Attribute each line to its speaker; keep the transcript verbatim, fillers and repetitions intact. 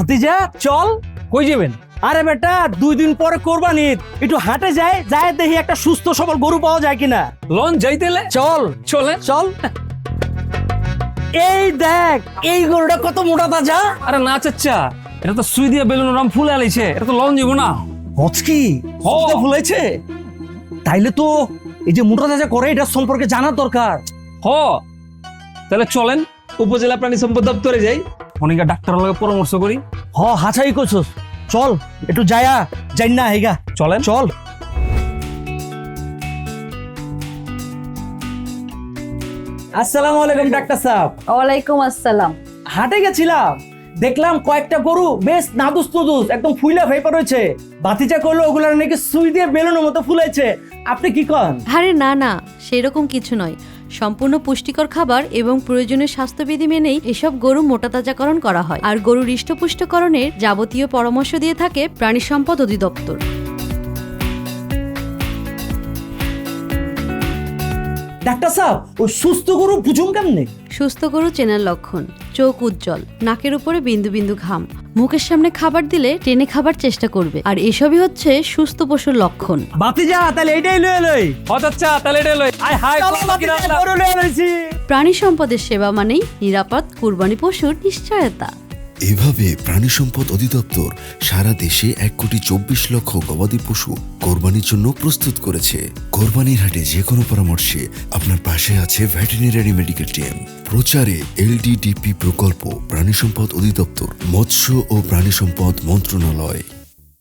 Speaker 1: ভাতিজা চল।
Speaker 2: কই যাবেন?
Speaker 1: আরে বেটা দুই দিন পরে কোরবানি, একটু হাটে যায় যায় দেখি একটা সুস্থ সবল গরু পাওয়া যায় কিনা।
Speaker 2: লন যাইতেলে
Speaker 1: চল
Speaker 2: চলে
Speaker 1: চল। এই দেখ এই গরুটা কত মোটা তাজা।
Speaker 2: আরে না চাচ্চা, এটা তো সুই দিয়ে বেলুন রাম ফুলে আলাইছে, এটা তো লন যাবো না।
Speaker 1: হচকি ফুলাইছে, তাইলে তো এই যে মোটা তাজা করে এটা সম্পর্কে জানার দরকার।
Speaker 2: হ তাহলে চলেন উপজেলা প্রাণী সম্পদ দপ্তরে যাই, অনেক ডাক্তারের লগে পরামর্শ করি।
Speaker 1: হ হাছাই করছস, চল একটু যায়া যাই না হেগা
Speaker 2: চলেন
Speaker 1: চল। আসসালামু আলাইকুম ডাক্তার সাহেব।
Speaker 3: ওয়ালাইকুম আসসালাম।
Speaker 1: হাটে গেছিলাম, দেখলাম কয়েকটা গরু বেশ নাদুস নুদুস একদম ফুইলা ভেপা রয়েছে। বাতিজা করলো ওগুলার নাকি সুই দিয়ে বেলুনের মতো ফুলাইছে। আপনি কি কন?
Speaker 3: আরে না না, সেরকম কিছু নয়। সম্পূর্ণ পুষ্টিকর খাবার এবং প্রয়োজনীয় স্বাস্থ্যবিধি মেনেই এসব গরু মোটাতাজাকরণ করা হয়, আর গরুর হৃষ্টপুষ্টকরণের যাবতীয় পরামর্শ দিয়ে থাকে প্রাণী সম্পদ অধিদপ্তর।
Speaker 1: ডাক্তার সাহেব ওই সুস্থ গরু বুঝুন কেমনে?
Speaker 3: সুস্থ গরু চেনার লক্ষণ: চোখ উজ্জ্বল, নাকের উপরে বিন্দু বিন্দু ঘাম, মুখের সামনে খাবার দিলে টেনে খাবার চেষ্টা করবে, আর এসবই হচ্ছে সুস্থ পশুর লক্ষণ।
Speaker 1: বাতিজা তাহলে এটাই লয়ে লই।
Speaker 2: হ চাচ্চা তাহলে এটা লই। আয় হাই
Speaker 1: গরু লয়ে লইছি।
Speaker 3: প্রাণী সম্পদের সেবা মানেই নিরাপদ কুরবানি পশুর নিশ্চয়তা।
Speaker 4: এভাবে প্রাণী সম্পদ অধিদপ্তর সারা দেশে এক কোটি চব্বিশ লক্ষ গবাদি পশু কোরবানির জন্য প্রস্তুত করেছে। কোরবানির হাটে যে কোনো পরামর্শে আপনার পাশে আছে ভেটেরিনারি মেডিকেল টিম। প্রচারে এলডিডিপি প্রকল্প, প্রাণী সম্পদ অধিদপ্তর, মৎস্য ও প্রাণী সম্পদ মন্ত্রণালয়।